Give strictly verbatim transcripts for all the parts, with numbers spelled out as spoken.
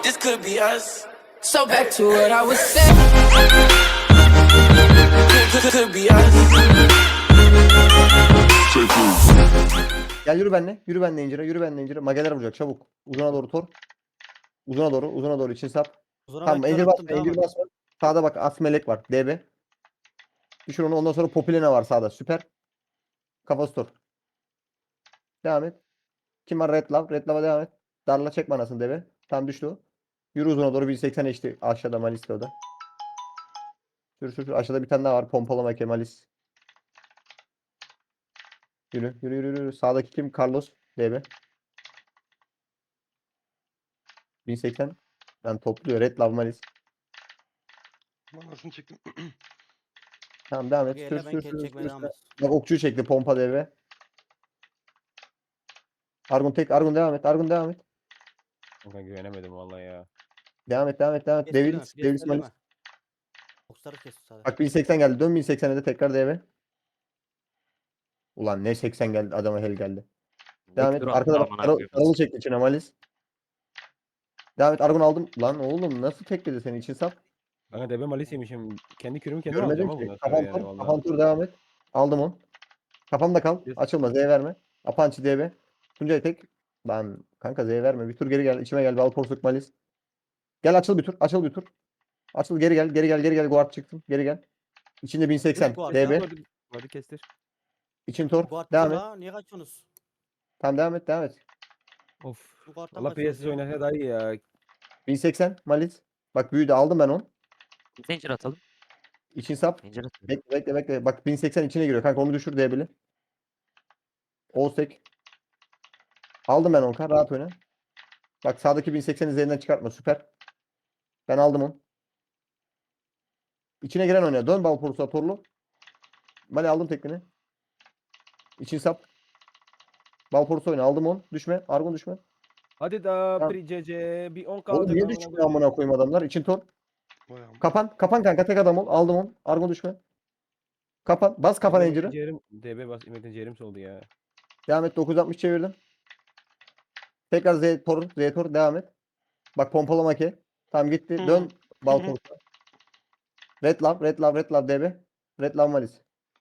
This could be us. So back to what I was saying. Could, could, could be us. Gel yürü benimle. Yürü benimle incire. Yürü benimle incire. Mageler vuracak çabuk. Uzuna doğru tor. Uzuna doğru. Uzuna doğru için sap. Uzuna Tamam ben kör encir attım, basma. devam Encir et. basma. Sağda bak as melek var. D B. Düşür onu. Ondan sonra Popilena var sağda. Süper. Kafası tor. Devam et. Kim var? Red Love. Red Love'a devam et. Darla çek manasını D B. Tam düştü o. Yürü uzuna doğru. bir seksen geçti. Aşağıda Malis de o da. Sür sür sür. Aşağıda bir tane daha var. Pompalama Kemalis. Yürü yürü yürü yürü. Sağdaki kim? Carlos. D B. bin seksen. Ben topluyor. Red Love Malis. Manasını çektim. Tamam devam et. Bak Sür elle ben sür kel sür çekmeye sür. devam sür. et. Bak okçuyu çekti. Pompa D B. Argun tek. Argun devam et. Argun devam et. Kanka güvenemedim vallahi ya. Devam et. Devam et. Devam et. Kes elleme, Devils. kes Devils Malis. elleme. Boksları kes sadece. Bak bin seksen geldi. Dön bin seksene de tekrar D B. Ulan ne seksen geldi. Adama hel geldi. Devam et. Bekliyor Arkada bak. amına Karalı, koyayım. karalı çekti içine Malis. Devam et. Argun aldım. Lan oğlum nasıl tekledi seni için sap? Kanka debe malis yemişim. Kendi kürümü kendim Görmedim alacağım ki. ama bundan Kafam sonra yani tur. vallahi. Kafam tur devam et. Aldım onu. Kafamda kal. Yes. Açılma. Z verme. Apançı D B. Tuncay tek. Lan kanka Z verme. Bir tur geri gel. İçime gel. Bal porsuk Malis. Gel açıl bir tur. Açıl bir tur. Açıl geri gel. Geri gel. Geri gel. Guard çıktın. Geri gel. İçinde bin seksen. Guard D B. ya. Hadi, hadi kestir. İçin tor. Guard Devam dur et. la, niye kaçıyorsunuz? Tamam devam et. Devam et. Of. Bu guardtan Allah kaçıyorsunuz P S'siz ya. oynasa daha iyi ya. bin seksen. Malis. Bak büyüdü. Aldım ben onu. Zincir atalım. İçin sap. Zincir atalım. Bekle bekle bekle. Bak bin seksen içine giriyor. Kanka onu düşür D B'li. Olsek. Aldım ben onu. Rahat oyna. Bak sağdaki bin seksen üzerinden çıkartma. Süper. Ben aldım onu. İçine giren oyna. Dön bal porusu torlu. Mali aldım tekniğini. İçin sap. Bal porusu oyna. Aldım onu. Düşme. Argon düşme. Hadi da Tamam. bir C C bir on kaldı. Oğlum niye amına düşmüyor koyayım. amına koyayım adamlar? İçin tor. Bayağı. Kapan. Kapan kanka. Tek adam ol. Aldım onu. Argon düşme. Kapan. Bas kapan Benim enciri. ciğerim- D B bas. Metin ciğerim soldu ya. Devam et. dokuz yüz altmış çevirdim. Tekrar Z tor. Z tor. Devam et. Bak pompalama ki. Tamam gitti. Hı. Dön. Bal Hı hı. porusu. Red Love. Red Love. Red Love D B. Red Love Malis.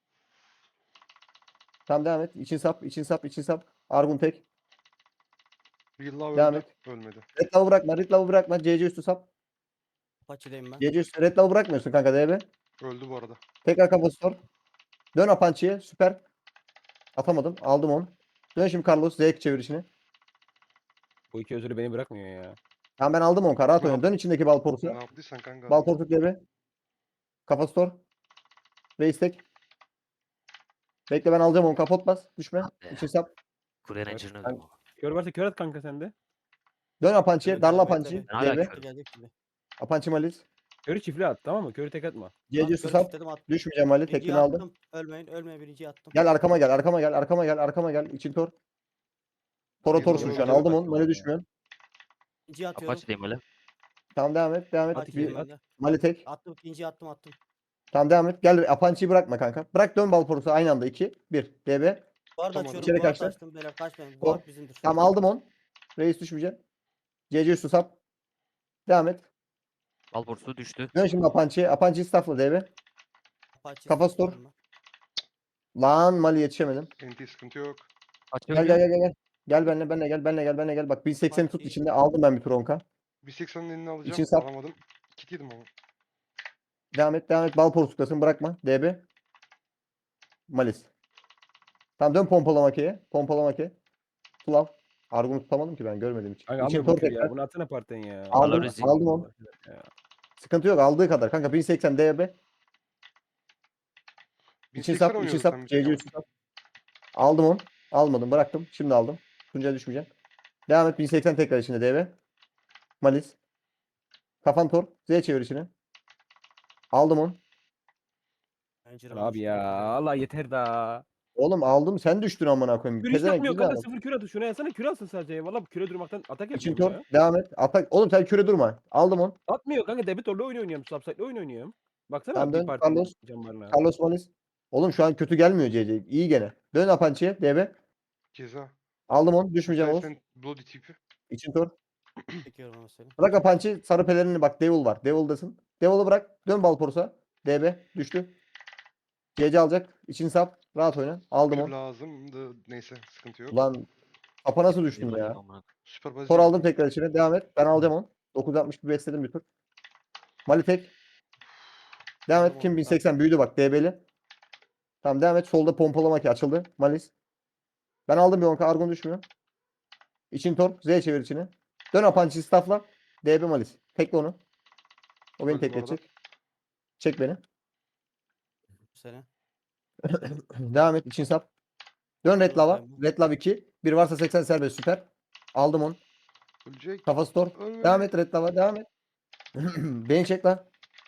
Tamam devam et. İçin sap. için sap. için sap. Argun tek. Bir yılla Devam öldü. et. Ölmedi. Red Love'ı bırakma. Red Love'ı bırakma. C C üstü sap. Apache'deyim ben. C C üstü. Red Love'ı bırakmıyorsun kanka D B. Öldü bu arada. Tekrar kafası sor. Dön Apançı'ya. Süper. Atamadım. Aldım onu. Dön şimdi Carlos. Z çevirişini. Bu iki özürü beni bırakmıyor ya. Tamam ben aldım onu. Rahat Ne oyna. Dön içindeki bal porusu. Ne yaptıysan kanka. Bal porsuk D B. Kafası sor. Reis tek. Bekle ben alacağım onu. Kapot bas. Düşme. Hadi. İçin sap. Kuruyan Evet, encirini ben- öldüm. Kör varsa kör at kanka sende. Dön Apançı'ya. Bekle, Darla bekle, Apançı'yı. bekle. Ben hala D B. körüm. Gelecek şimdi. Apançı Malis. Körü çiftli at tamam mı? Körü tek atma. C C Tamam, üstü kör sap. çiftledim, attım. Düşmeyeceğim Ali. Birinciyi Tekini aldım. attım. Ölmeyin, ölmeyin, birinciyi attım. Gel arkama gel. Arkama gel. Arkama gel. Arkama gel. İçin tor. Tora Yıllar torsun şu an. önce Aldım onu. baktım Mali ya. düşmüyorsun. İkinciyi atıyorum. Apache diyeyim öyle. Tamam devam et. Devam et. Hadi Bir, geliyorum. Mali tek. Attım, ikinciyi attım, attım. Tamam devam et. Gel Apançı'yı bırakma kanka. Bırak dön bal porusu aynı anda. iki, bir. D B. Guard Tamam. açıyorum, İçeri guard kaçtı. açtım. Beyler kaçmayın. Gol. Guard bizimdir. Tamam aldım onu. Reis düşmeyecek. C C üstü sap. Devam et. Bal borsu düştü. Dön şimdi Apançı'ya. Apançı'yı staffla D B. Apache Kafası tor. staffladım ben. Lan Mali yetişemedim. N T sıkıntı yok. Açıyorum Gel gel ya. gel gel. Gel Gel benimle benimle gel benimle gel benimle gel. Bak bin sekseni tut Apache. içinde aldım ben bir tur onka. bir seksenin elini alacağım. İçin sap. Alamadım. Kit yedim ama. Devam et devam et. Bal porsuklasın bırakma. D B. Malis. Tamam dön pompalama K'ye. Pompalama K. Flav. Argun'u tutamadım ki ben görmedim hiç. Kanka İçin almıyor bu tor kür tekrar. ya. Bunu atsana partiden ya. Aldım, Valorezi. aldım onu. Sıkıntı yok aldığı kadar. Kanka bin seksen D B. İçin bin seksen sap, için oynuyorduk sap. sen bir C C tek üstü sap. Aldım onu. Almadım bıraktım. Şimdi aldım. Tuncay'a düşmeyeceğim. Devam et bin seksen tekrar içinde D B. Malis. Kafan tor. Z çevir içine. Aldım onu. Bence Abi ya Allah yeter da. Oğlum aldım. Sen düştün amına koyayım. Kür hiç Pezevenk atmıyor güzel kanka adam. sıfır kür atı. Şuna yazsana kür alsın sadece. Valla küre durmaktan atak İçin yapıyorum tor. ya. Devam et. Atak. Oğlum sen küre durma. Aldım onu. Atmıyor kanka debitorla oyun oynuyorum. Subsite'le oyun oynuyorum. Baksana Tamam, bir dön, parti Carlos. cambarına. Carlos Malis. Oğlum şu an kötü gelmiyor C C. İyi gene. Dön Apançı'ya. D B. Ceza. Aldım onu. Düşmeyeceğim Oğuz. Sen Bloody tipi. İçin tor. Çekiyorum ama seni. Bırak Apanç'ı, sarı pelerini bak. Devil var. Devil'dasın. Devil'ı bırak. Dön Balporus'a. D B düştü. C C alacak. İçin sap. Rahat oyna. Aldım Kür onu. lazımdı. Neyse sıkıntı yok. Ulan kapa nasıl Bir düştün bakayım ya? amına. Süper Tor bazi. aldım tekrar içine. Devam et. Ben alacağım onu. dokuz altmış bir besledim bir tur. Malitek. Devam Aldım et. Kim onu, bin seksen büyüdü bak. D B'li. Tamam devam et. Solda pompalama ki açıldı. Malis. Ben aldım bir onka. Argon düşmüyor. İçin tor. Z çevir içine. Dön Apanç'ı staffla. D B Malis. Tekle onu. O beni Öldü bu arada. tekletecek. Çek beni. Seni. Devam et. İçin sap. Dön Red Lava. Buradayım. Red Lava iki. Bir varsa seksen serbest süper. Aldım onu. Ölecek. Kafası tor. Ölme. Devam et Red Lava. Devam et. Beni çek lan.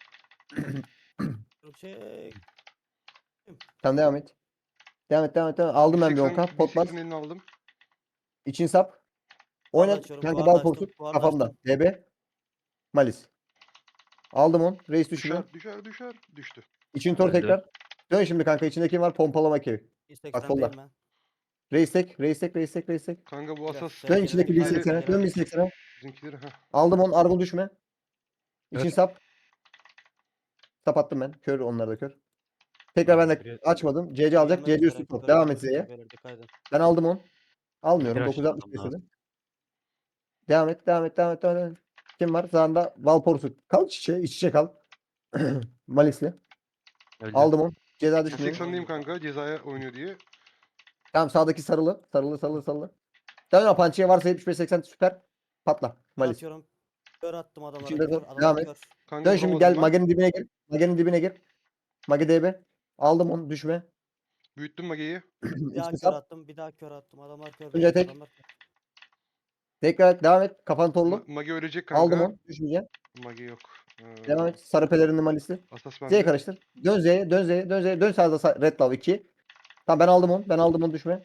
Çek. Sen devam et. Devam et. Devam et. Devam et. Aldım ben bir bin seksen onka. Potlar. bin seksen elini aldım. İçin sap. Guard Oynat. açıyorum, Kanka guard bal açtım, portu guard kafamda. açtım. D B. Malis. Aldım onu. Reis düşmüyor. Düşer düşer düşer. Düştü. İçin tor Öldü. tekrar. Dön şimdi kanka. İçinde kim var? Pompalama kevi. Bak seksen solda. ben. Reis tek. Reis tek. Reis tek. Reis tek. Kanka bu Biraz asas. şey- Dön Geri, içindeki geri, bin geri, seksene. geri. Dön bin seksene. Bizimkileri ha. Aldım onu. Argon düşme. İçin Kör. sap. Sap attım ben. Kör onlar da kör. Tekrar ben de Biraz- açmadım. C C alacak. Gelmek C C üzere, üstü top. kör Devam et atıyor, Z'ye. beyler, dikkat edin. Ben aldım onu. Almıyorum. Biraz dokuz altmış atmam lazım. istedim. Devam et. Devam et. Devam et. Devam et. Kim var? Sağında Valporsu. Kal iç içe. İç içe kal. Malisli. Öldü. Aldım onu. Ceza bin düşmüyor. seksendeyim kanka. Cezaya oynuyor diye. Tamam sağdaki sarılı. Sarılı sarılı sarılı. Dön Apançı'ya varsa yetmiş beş seksen süper. Patla. Kör Malis. atıyorum. Kör attım adamlara. İçinde Kör. dur, Adamlar devam et. kör. Kanka Dön şimdi vuramadım gel ben. Mage'nin dibine gir. Mage'nin dibine gir. Mage D B. Aldım onu düşme. Büyüttüm Mage'yi. Bir daha İçini kör sap. attım. Bir daha kör attım. Adamlar kör. Önce tek. Adamlar kör. Tekrar et. Devam et. Kafanı torlu. Ma- Mage ölecek kanka. Aldım onu. Düşmeyeceğim. Mage yok. Ee, Devam et. Sarı pelerini Malisli. Asas Z'ye bende. karıştır. Dön Z'ye. Dön Z'ye. Dön Z'ye. Dön sağda sa- Red Love iki. Tamam ben aldım onu. Ben aldım onu düşme.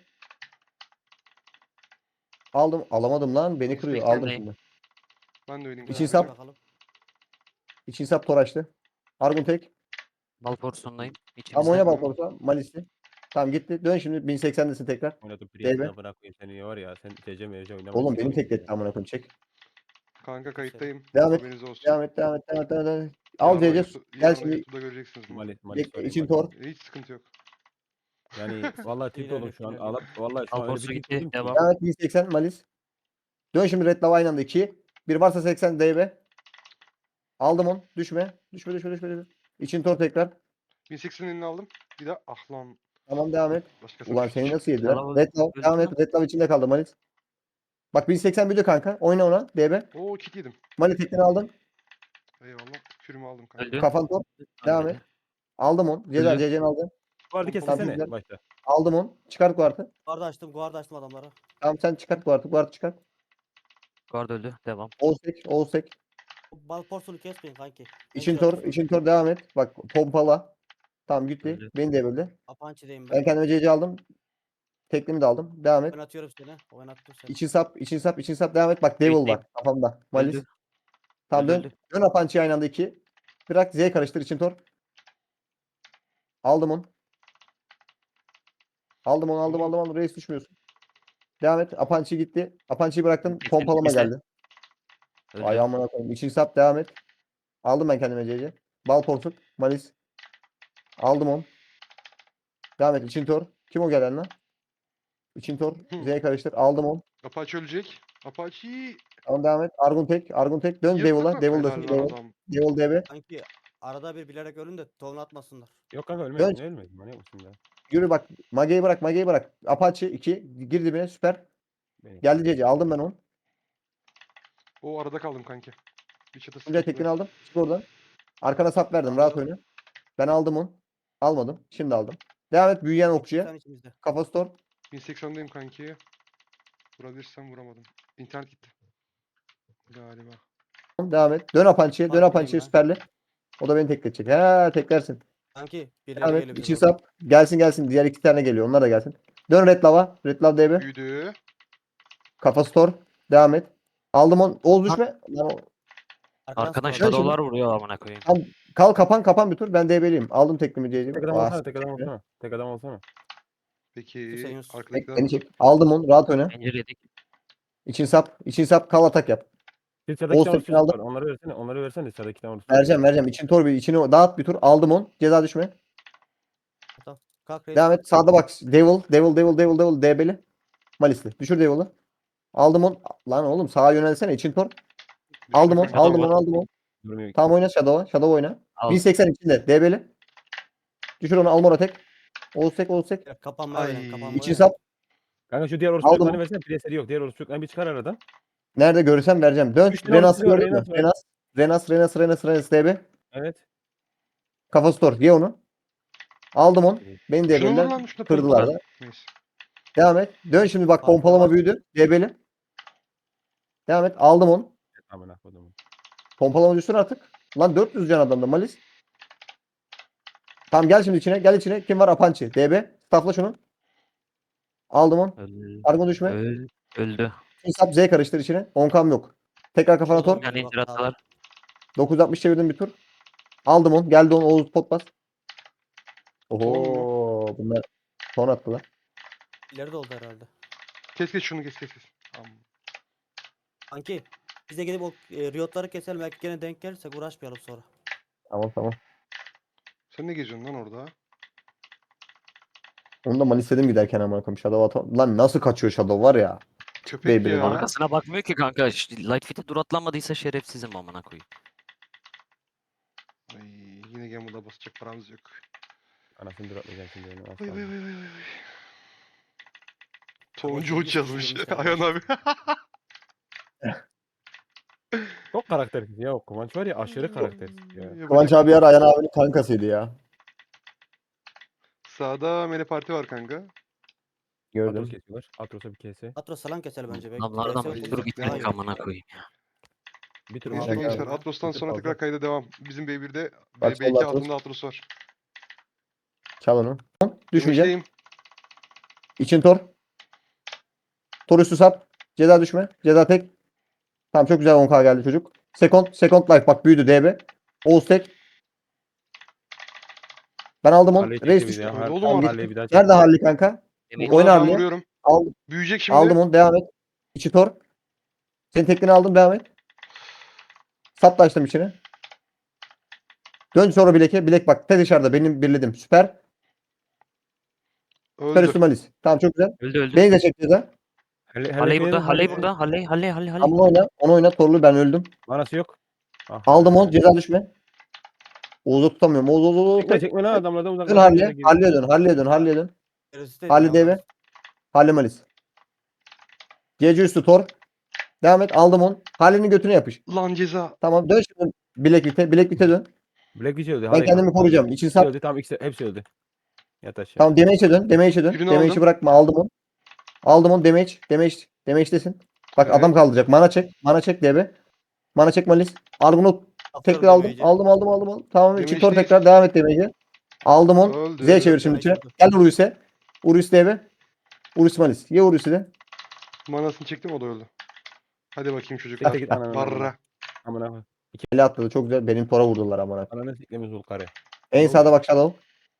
Aldım. Alamadım lan. Beni kırıyor. seksen Aldım değil. şimdi. Ben de öyleyim. İçin kanka. sap. Bakalım. İçin sap toraştı. Argun tek. Bal porsiyondayım. Tamam İçimizde. oyna Balporus'a. Malisli. Tamam gitti. Dön şimdi bin seksendesin tekrar. Oynadım Değil mi? Priest'ine bırakayım seni var ya. Sen T C M C oynamadın. Oğlum beni tekletti amına koyayım çek. Kanka kayıttayım. Devam et. Haberiniz olsun. Devam et, devam et, devam et, devam et. Al Yarın C C. YouTube- Gel yarın şimdi. YouTube'da göreceksiniz bunu. Malis, Malis Bekle, sorayım, için Malis. tor. Hiç sıkıntı yok. Yani vallahi tilt İlerle, oldum şu an. ilerle. Alıp vallahi şu Bal an öyle porsu bir tilt gitti. oldum ki. Devam. Devam et bin seksen Malis. Dön şimdi Red Lava aynı anda iki. Bir varsa seksen D B. Aldım onu. Düşme. Düşme, düşme, düşme. düşme. İçin tor tekrar. bin seksenin elini aldım. Bir daha ah lan. Tamam devam et. Başkasına Ulan düştü. seni nasıl yediler? Bravo. Red Lava. Gözüküyor. Devam et. Red Lava içinde kaldı Malis. Bak bin seksen büyüdü kanka. Oyna ona. D B. Oo kit yedim. Malis tekini aldım. Eyvallah. Kürümü aldım kanka. Öldü. Kafan tor. Devam Ölmedi. et. Aldım onu. Ceza Öldü. C C'ni aldım. Vardı Tamam, kessene güzel. başta. Aldım onu. Çıkart kuartı. Guard açtım. Guard açtım adamlara. Tamam sen çıkart kuartı. Kuartı çıkart. Guard öldü. Devam. Olsek. Olsek. Bal porsunu kesmeyin kanki. İçin kör tor. için tor devam et. Bak pompala. Tamam gitti. Öldü. Beni de böldü. Apançı'dayım Ben ben. kendime C C aldım. Teklimi de aldım. Devam et. Oynatıyorum seni. Oynattım seni. İçin sap, için sap, için sap. Devam et. Bak Devil Bekleyin. var kafamda. Malis. Öldü. Tamam Öldü, dön. öldü. Dön Apançı'ya aynı anda iki. Bırak Z karıştır için tor. Aldım onu. Aldım onu aldım aldım aldım. Reis düşmüyorsun. Devam et. Apançı gitti. Apançı'yı bıraktım. Kesin, Pompalama kesin. geldi. Öldü. Ayağımına koyayım. İçin sap devam et. Aldım ben kendime C C. Bal portuk. Malis. Aldım onu. Devam et. İçin tor. Kim o gelen lan? İçin tor. Z karıştır. Aldım onu. Apache ölecek. Apache. Tamam devam et. Argun tek. Argun tek. Dön Devil'a. Yırttık mı? Devil'dasın. Helal lan Devil. adam. Devil D B. Kanki arada bir bilerek ölün de tovunu atmasınlar. Yok kanka Dön. ölmedin ölmedin. Manyak mısın ya? Yürü bak. Mage'yi bırak. Mage'yi bırak. Apache iki. Gir dibine. Süper. Benim. Geldi C C. Aldım ben onu. O arada kaldım kanki. Bir çatı Önce sıkıntılı. tekini aldım. Çık oradan. Arkana sap verdim. Rahat oyna. Ben aldım onu. Almadım. Şimdi aldım. Devam et. Büyüyen okçuya. Sen içimizde. Kafa store. bin seksendeyim kanki. Vurabilirsem vuramadım. İnternet gitti. Galiba. Devam et. Dön Apançı'ya. Dön Farkındayım Apançı'ya ben. süperli. O da beni tekletecek. Ha teklersin. Kanki birileri Devam geliyor et. bize İçin doğru. sap. Gelsin gelsin. Diğer iki tane geliyor. Onlar da gelsin. Dön Red Lava. Red Lava D B. Büyüdü. Kafa store. Devam et. Aldım onu. Oğuz düşme. Lan o- Arkadan sıkıyorlar. shadow'lar vuruyor amına koyayım. Kal kapan kapan bir tur. Ben D B'liyim. Aldım teklimi C C'yi. Tek adam olsana tek adam olsana. Tek adam olsana. Peki. Hüseyin Yunus. Arkadakiler Beni çek. Aldım onu. Rahat oyna. Pencere yedik. İçin sap. İçin sap. Kal atak yap. Bir sıradaki Oğuz tane Tekin var. aldım. Onları versene. Onları versene sıradaki tane. Vereceğim vereceğim. İçini tor bir içini dağıt bir tur. Aldım on. Ceza düşme. Tamam. Kalk reis. Devam et. Sağda bak. Devil. Devil. Devil. Devil. Devil. D B'li. Malisli. Düşür Devil'ı. Aldım on. Lan oğlum sağa yönelsene. İçin tor. Aldım on. kanka. Aldım on. Aldım on. Durmuyor. Tamam oyna Shadow'a. Shadow oyna. Al. bin seksen içinde. D B'li. Düşür onu. Almora tek. Oğuz tek. Oğuz tek. Ya, Kapanmaya Ay. oynayın. Kapanmaya İçin oynayın. sap. Kanka şu diğer orospu Aldım çocuklarını onu. versene. Preseri yok. Diğer orospu çocuklarını bir çıkar aradan. Nerede görürsem vereceğim. Dön. Üç tane Renas'ı orospu var, gördün mü? Renas var. Renas. Renas. Renas. Renas. Renas. D B. Evet. Kafa store. Ye onu. Aldım on. Beni D Şunu vur B'liler lan. Şunu kırdılar pompala. da. Neyse. Devam et. Dön şimdi bak Farkına pompalama bak. büyüdü. D B'li. Devam et. Aldım onu. Amına koydum. Pompalama düşsün artık. Lan dört yüz can adamda Malis. Tamam gel şimdi içine. Gel içine. Kim var? Apançi. D B. Staffla şunu. Aldım onu. Öldü. Argo düşme. Öl- Öldü. Hesap Z karıştır içine. on kam yok. Tekrar kafana tor. Yani Bak, incir atsalar. dokuz altmış çevirdim bir tur. Aldım onu. Geldi onu. Oğuz pot bas. Ton Oho. Bunlar ton attılar. İleri de oldu herhalde. Kes kes şunu kes kes kes. Tamam. Kanki. Biz de gidip o e, Riot'ları keselim. Belki gene denk gelirsek uğraşmayalım sonra. Tamam tamam. Sen ne geziyorsun lan orada? Onu da Malis dedim giderken ama koyayım. Shadow atam. Lan nasıl kaçıyor Shadow var ya. Köpek Beyblade'in ya. Arkasına bakmıyor ki kanka. İşte Light Fit'e dur atlanmadıysa şerefsizim amına koyayım. Ay, yine Gamble'a basacak paramız yok. Anasını duratmayacağım şimdi. Onu. Az Vay vay kaldı. vay vay vay. Toncu Ama uç yazmış. ilginç bir şey Ayhan abi. Çok karaktersiz ya. O Kıvanç var ya aşırı karaktersiz ya. Yapacak Kıvanç bir abi şey yer yok. Ayhan abinin kankasıydı ya. Sağda Mele Parti var kanka. Atros Gördüm. kesiyorlar. Atros'a bir kese. Atros falan keselim önce. Belki Adamlardan T S bir yok, tur daha gitmedik iyi. amına koyayım. Bir tur Neyse Aldım Güzel gençler geldi. Atros'tan Bir tur sonra fazla. tekrar kayda devam. Bizim B bir'de Bak, B iki solda Atros. altında Atros var. Çal onu. Düşmeyecek. Demişteyim. İçin tor. Tor üstü sap. Ceza düşme. Ceza tek. Tamam çok güzel on ka geldi çocuk. Second. Second life bak büyüdü D B. Oğuz tek. Ben aldım onu. Halleyi Reis çekti bir düştü. daha. Öyle Har- oğlum artık. Halleyi bir daha çekti. Nerede Halli kanka? Yemin- Oyna Burada ben Harley'e. vuruyorum. Aldım. Büyüyecek şimdi. Aldım onu. Devam et. İçi tor. Senin tekniğini aldım. Devam et. Sap da açtım içine. Dön sonra bileke. Bilek bak. Te dışarıda. Benim birledim. Süper. Süper Öldü. üstü Malis. Tamam çok güzel. Öldü öldü. Beni de çek ceza. Halle- Halley Halleyi burada. Halley Halleyi- burada. Halley Halley Halley Halley. Ama oyna. Onu oyna. Torlu ben öldüm. Manası yok. Ah, Aldım be. onu. Ceza düşme. Oğuz'u tutamıyorum. Oğuz Oğuz Oğuz. Çekme Tek. çekme lan adamlardan Dön uzaklaşın. Harley'e. Harley'e dön. Harley'e dön. Harley'e dön. Gerisi de Halle ya, deve. Halle Malis. C C üstü tor. Devam et. Aldım onu. Halle'nin götüne yapış. Lan ceza. Tamam. Dön şimdi. Bilek bite. Bilek bite dön. Black Witch öldü. Ben Halleyi kendimi kanka. koruyacağım. İçin Hepsi sap. öldü. Tamam ikisi hepsi öldü. Yat aşağı. Tamam. Damage'e dön. Damage'e dön. Birini Damage'i aldım. bırakma. Aldım onu. Aldım onu. Damage. Damage. Damage'desin. Bak Evet. adam kaldıracak. Mana çek. Mana çek D B. Mana çek Malis. Argonaut. Tekrar aldım. Aldım aldım aldım. aldım. Tamam. İçin tor Damage'deyiz. tekrar. Devam et damage'e. Aldım onu. Öldü. Z çevir şimdi içine. Gel Urus'e. Urus D B. Urus Malis. Ye Urus'u de. Manasını çektim o da öldü. Hadi bakayım çocuk. Tek tek git ananı. Barra. Amına koy. Ele atladı. Çok güzel. Benim tora vurdular amına. Ananı siklemiz Zulkar'ı. En sağda bak Shadow.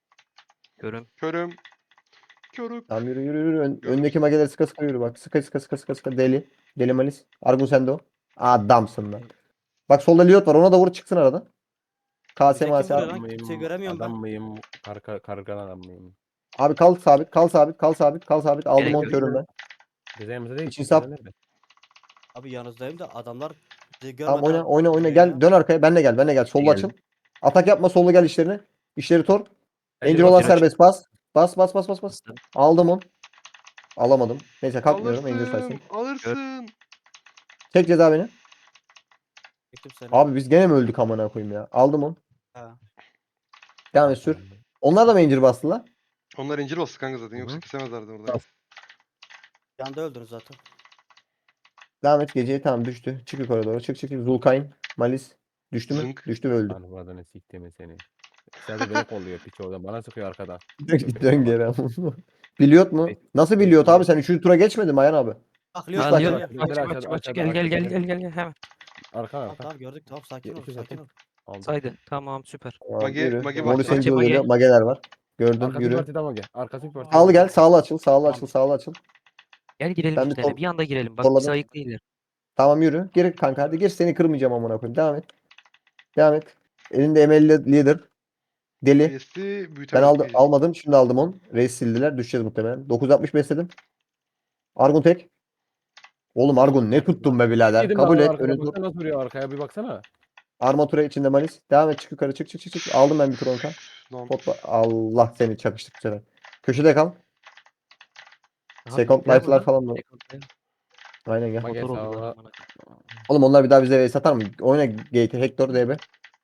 Görüm. Körüm. Körük. Tamam yürü yürü yürü. Ön- Gördüm. öndeki mageler sıka sıka yürü bak. Sıka sıka sıka sıka sıka. Deli. Deli Malis. Argun sende o. Adamsın lan. Bak solda Liot var. Ona da vur çıksın arada. K S Bize kim M S vuruyor abi. lan? Adam Kimseyi mıyım? göremiyorum ben. Adam mıyım? Karga, kargan adam mıyım? Abi kal sabit. Kal sabit. Kal sabit. Kal sabit. Aldım Gerek onu yok. körüm ben. Cezayımızda değil. İçin sap. Cezayı nerede? Abi yanınızdayım da adamlar bizi görmeden Tamam oyna oyna oyna. vuruyor Gel ya. dön arkaya. Benle gel. Benle gel. Solda Geldim. açıl. Atak yapma. Solda gel işlerine. İşleri tor. Bence Angel olan bakıyorum. serbest. Bas. Bas bas bas bas bas. Bastım. Aldım onu. Alamadım. Neyse kalkmıyorum. Angel Alırsın. saysın. Alırsın. Çek ceza beni. Çektim seni. Abi biz gene mi öldük amına koyayım ya? Aldım onu. Ha. Devam et sür. Onlar da mı incir bastılar? Onlar incir bastı kanka zaten. Hı Yoksa hı. kesemezlerdi orada. Bas. Yanda öldünüz zaten. Devam et geceye tamam düştü. Çık yukarı doğru. Çık çık çık. Zulkayn. Malis. Düştü mü? Zınk. Düştü ve öldü. Lan bu adını siktiğimi seni. İçeride beni kolluyor piç oradan. Bana sıkıyor arkadan. Dön geri ama. Biliyot mu? Nasıl biliyot abi? Sen üçüncü tura geçmedin mi Ayhan abi? Bak Üç Leo Ha, bak, Leo, gel. bak, gel. bak, Aşağıda, bak, bak, aşağıda, gel gel gel aşağıda. gel gel gel hemen. Arka Tamam arka. tamam gördük tamam sakin ol Yetmiş sakin ol. atayım. Aldım. Saydı. Tamam süper. Tamam, Mage- yürü. Mage Morris baktı. Angel Mage. geliyor. Mageler var. Gördüm Arkası yürü. partiden mı gel? Arkası bir parti. Sağlı gel. Sağlı açıl. Sağlı açıl. Sağlı açıl. Gel girelim Ben bir üstlerine. tor- Bir anda girelim. Bak torladım. bizi ayıklayırlar. Tamam yürü. Gir kanka hadi gir seni kırmayacağım amına koyayım. Devam et. Devam et. Elinde emelli leader. Deli. Resti Ben büyütemedik aldım, biz. almadım. Şimdi aldım onu. Reis sildiler. Düşeceğiz muhtemelen. dokuz altmış besledim. Argun tek. Oğlum Argun ne tuttun be birader. Yedim Kabul ben et. arkada. Önün tur. Baksana nasıl vuruyor arkaya bir baksana. Armatura içinde malis. Devam et çık yukarı çık çık çık çık. Aldım ben bir tur onka. Lan. Potla. Allah seni çakıştık bu sefer. Köşede kal. Aha, Second bittiler life'lar burada. falan mı? Second life. Aynen gel. Mage Motor oldular sağa. amına koyayım. Oğlum onlar bir daha bize satar mı? Oyna Gate, Hector, D B.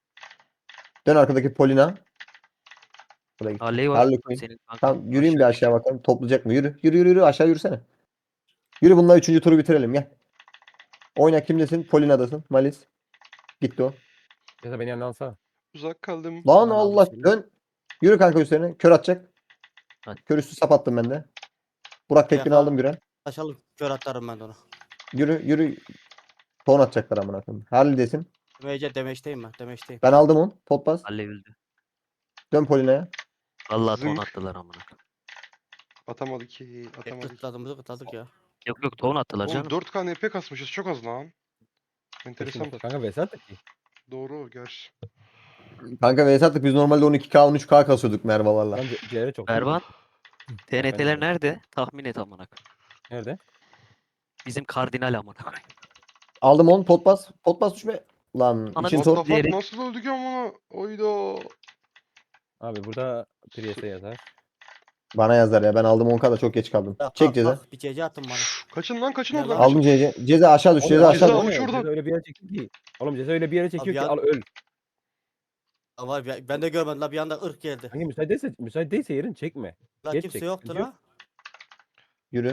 Dön arkadaki Polina. Buraya gitti. Harley var. Harley Quinn. Senin kanka. Tamam yürüyeyim bir Aşağı aşağı bakalım. Toplayacak mı? Yürü. Yürü yürü yürü. Aşağı yürüsene. Yürü bununla üçüncü turu bitirelim gel. Oyna kimdesin? Polina'dasın. Malis. Gitti o. Ceza beni yanına alsana. Uzak kaldım. Lan Ben aldım Allah şimdi. dön. Yürü kanka üstlerine. Kör atacak. Hadi. Kör üstü sap attım ben de. Burak tekbini Yaka- aldım Güren. Aşağılık kör atarım ben de ona. Yürü yürü. Ton atacaklar amına koyayım. Harley'desin. Mece demeçteyim ben. Demeçteyim. Ben aldım onu. Pot bas. Harley öldü. Dön Polina'ya. Vallahi ton Zınk. attılar amına koyayım. Atamadık ki. Hep Atamadık. kıtladığımızı kıtladık ya. Yok yok ton attılar Oğlum canım. dört K N P kasmışız. Çok az lan. Enteresan. Kanka Vesat da ki. Doğru gerçi. Kanka V S attık biz normalde on iki K on üç K kasıyorduk Mervalarla. Lan C- C'ye çok. Berban. T N T'ler Efendim? nerede? Tahmin et amına koyayım. Nerede? Bizim kardinal amına koyayım. Aldım onu. Pot bas. Pot bas düşme. Lan Ananı için What tor. the fuck diyerek- nasıl öldük amına? Oyda. Abi burada Priest'e yazar. Bana yazar ya. Ben aldım on K'da çok geç kaldım. Bak, Çek bak, ceza. bak, bir cece attın bana. Kaçın lan kaçın Gel oradan. lan. Aldım Kaçın. Ceza. Ceza aşağı düş. Oğlum, Ceza ceza aşağı al. düş. Ceza şuradan. Ceza öyle bir yere çekti ki. Oğlum Ceza öyle bir yere çekiyor Abi ki ya- al öl. Ama ben ben de görmedim la bir anda ırk geldi. Hangi müsait değilse, müsait değilse yerin çekme. La Geç kimse çek, yoktu sıkıntı yok. la. Yürü.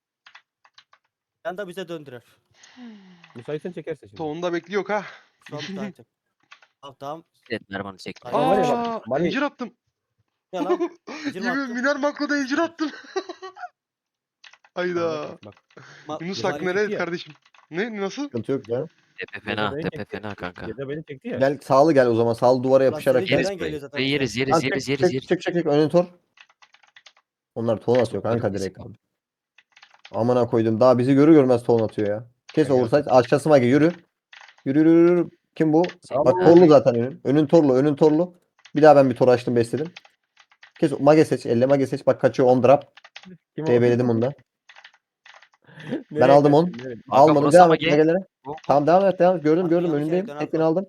Ben de bize döndürer. Müsaitsen çekerse şimdi. Toğunda bekliyor ha. Şu an müsaitim. Tamam tamam. Evet Mervan'ı çekti. Aa, var ya bak, Aa, Mali- incir attım. Ya lan. Incir mi Yemin attın? Miner makroda incir attım. Hayda. Bak, Ma- Yunus Ceza hak çekti nereye ya. kardeşim? Ne nasıl? Sıkıntı yok ya. Tepe Ceza fena. beni Tepe çekti. fena kanka. Ceza beni çekti ya. Gel sağlı gel o zaman. Sağlı duvara yapışarak senin gel. Yeriz Nereden burayı. geliyor zaten Burayı yeriz bize? yeriz Lan yeriz çek, yeriz çek, yeriz. çek çek çek önün tor. Onlar ton atıyor kanka Yeriz. direkt abi. Amına koydum. Daha bizi görür görmez ton atıyor ya. Kes Gel, gel. oversize. Aşağısı mage yürü. Yürü yürü yürü. Kim bu? Sağ Bak ol. torlu zaten önün. Önün torlu. Önün torlu. Bir daha ben bir tor açtım besledim. Kes mage seç. Elle mage seç. Bak kaçıyor on drop. Kim o? D B'ledim onu da. Nereye aldım kaçtın, onu. nereye? Almadım. burası Devam ama et gel. magelere. Bu- Tamam devam et devam et. Gördüm Abi gördüm yanlış önündeyim. yerden Tekini aldım. aldım.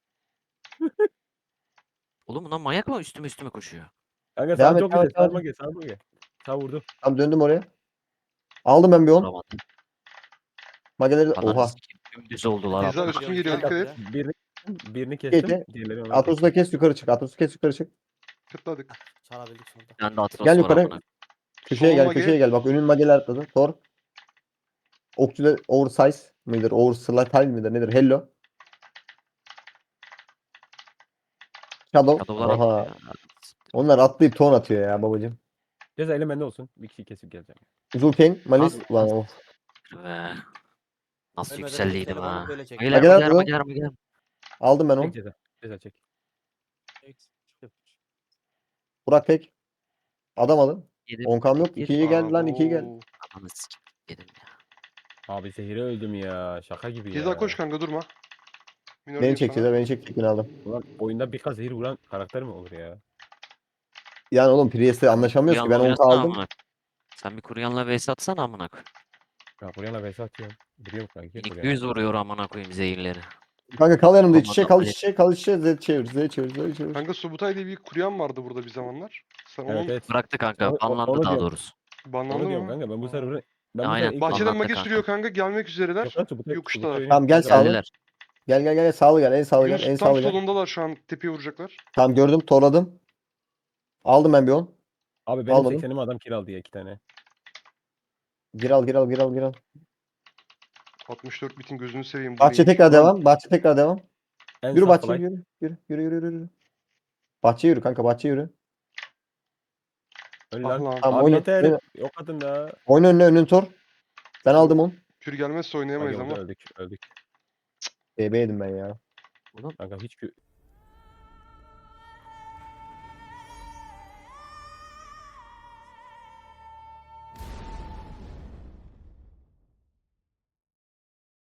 Oğlum bunlar manyak mı? Üstüme üstüme koşuyor. Kanka Devam sağ et, çok devam güzel. et, devam Sağ gel. Sağ gel. Sağ vurdu. Tamam döndüm oraya. Aldım ben bir on. Vuramadım. Mageleri Ananı oha. sikeyim. Dümdüz oldular Ceza amına üstüme koyayım. geliyor dikkat et. Ya. Birini, birini kestim. Geçti. Diğerleri ona Atros'u da kes yukarı çık. Atros'u kes yukarı çık. Kıtladık. Çalabildik sonunda. Ben de Atlas Gel var yukarı. amına. Köşeye Solun gel mage. köşeye gel. Bak önün mageler atladı. Tor. Okçu da oversize mıdır? Oversize midir? Nedir? Hello. Shadow. Shadow'lar Aha. attı ya. Onlar atlayıp ton atıyor ya babacım. Ceza elim bende olsun. Bir kişiyi kesip geleceğim. Zulken, Malis. Abi, Lan of. Be. Nasıl Ölmeden yükseldiydim yükselim ama ha. böyle çek. Magiler Mageler magiler bu. magiler magiler. Aldım ben onu. Çek ceza. Ceza çek. Burak tek. Adam alın. Yedim. on kam yok. Yedim. ikiye geldi lan ikiye geldi. Abo. Ananı sikeyim. Yedim ya. Abi zehire öldüm ya. Şaka gibi ya. Ceza koş kanka durma. Minör Beni diyeyim çek sana. Ceza beni çek tekini aldım. Ulan oyunda bir kaz zehir vuran karakter mi olur ya? Yani oğlum Priest'le anlaşamıyoruz ki. Ben Kuruyanla on ka oynasana aldım. amına. Sen bir Kuryan'la vs atsana amına koyayım. Ya buraya vs atıyorum. Biliyorum kanki. İlk buraya. yüz vuruyor amına koyayım zehirleri. Kanka kal yanımda iç içe Olmadı, kal Ali. iç içe kal iç içe Z çevir Z çevir Z çevir. Kanka Subutay diye bir kuryan vardı burada bir zamanlar. Sen Evet onun evet. Bıraktı kanka. Onu- Banlandı onu daha diyorum. doğrusu. banlandı Onu diyorum mı? kanka. Ben bu server'ı... Ben bu Aynen. sefer ilk Bahçeden Banlandı mage kanka. sürüyor kanka gelmek üzereler. Yok lan, Subutay- Yokuştalar. Subutay oynuyor. Tamam, gel Ceza- sağlı. Geldiler. Gel gel gel sağlı gel en sağlı gel en Yunus sağlı tam gel. solundalar şu an tepeye vuracaklar. Tamam gördüm torladım. Aldım ben bir on. Abi benim Almadım. seksenimi adam kill aldı ya iki tane. Gir al gir al gir al gir al. altmış dört bitin gözünü seveyim. bu Bahçe neymiş? tekrar devam. Bahçe tekrar devam. En Yürü sağ bahçe fly. yürü. Yürü yürü yürü yürü. yürü. Bahçe yürü kanka bahçe yürü. Öl Ah lan. lan. Tamam Abi oyna. yeter. Oyna, Yok atın da. oyna önüne önün tor. Ben aldım onu. Kür gelmezse oynayamayız Ay, ama. öldük öldük. B B yedim ben ya. Kanka hiç kü...